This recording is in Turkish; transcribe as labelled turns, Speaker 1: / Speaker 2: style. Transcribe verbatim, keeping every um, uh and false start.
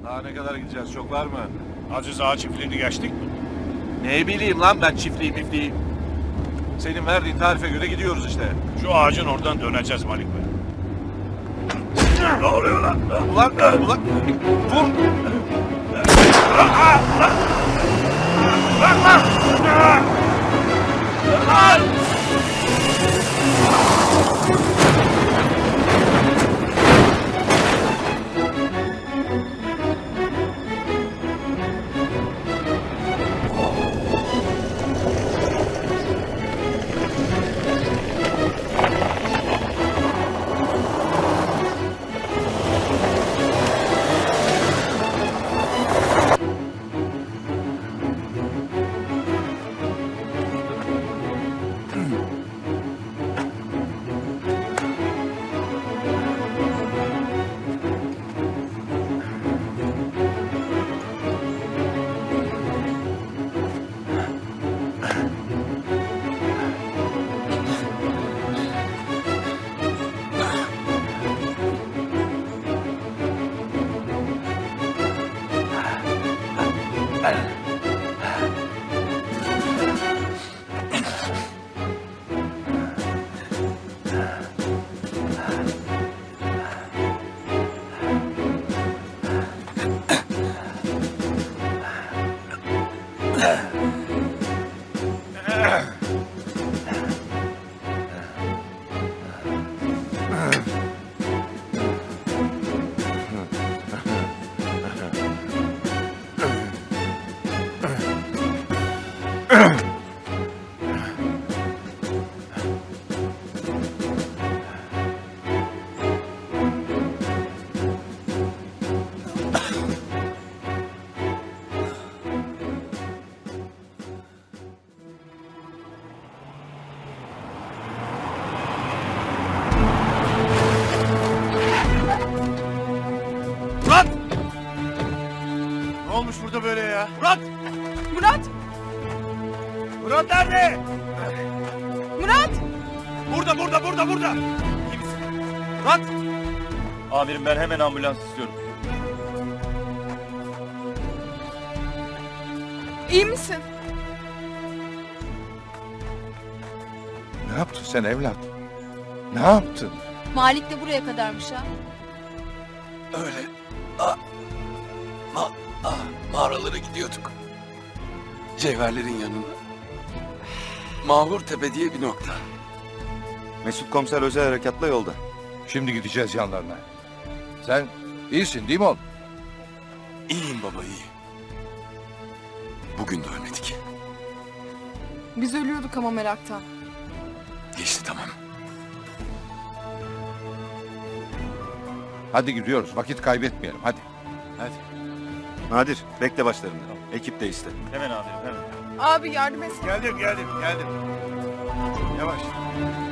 Speaker 1: Daha ne kadar gideceğiz? Çok var mı?
Speaker 2: Aziz Ağa çiftliğini geçtik mi?
Speaker 1: Ne bileyim lan ben çiftliği mifliği. Senin verdiğin tarife göre gidiyoruz işte.
Speaker 2: Şu ağacın oradan döneceğiz Malik Bey.
Speaker 1: Ne oluyor lan? Ulan, ulan. Vur.
Speaker 2: Bırak lan! Lan!
Speaker 1: Murat! Ne olmuş burada böyle ya? Murat!
Speaker 3: Murat!
Speaker 1: Murat nerede?
Speaker 3: Murat!
Speaker 1: Burada, burada, burada, burada. Kimsin? Murat!
Speaker 4: Amirim ben hemen ambulans istiyorum.
Speaker 3: İyi misin?
Speaker 5: Ne yaptın sen evlat? Ne yaptın?
Speaker 3: Malik de buraya kadarmış ha.
Speaker 6: Öyle ah, ma, ah, mağaralara gidiyorduk. Cevherlerin yanına. Mahur Tepe diye bir nokta.
Speaker 4: Mesut komiser özel harekatla yolda.
Speaker 5: Şimdi gideceğiz yanlarına. Sen iyisin değil mi oğlum?
Speaker 6: İyiyim baba iyi. Bugün de ölmedik.
Speaker 3: Biz ölüyorduk ama meraktan.
Speaker 6: Geçti tamam.
Speaker 5: Hadi gidiyoruz. Vakit kaybetmeyelim. Hadi.
Speaker 4: Hadi. Nadir bekle başlarında. Ekip de iste. Hemen amirim hemen.
Speaker 3: Abi yardım et.
Speaker 1: Geldim, geldim, geldim. Yavaş.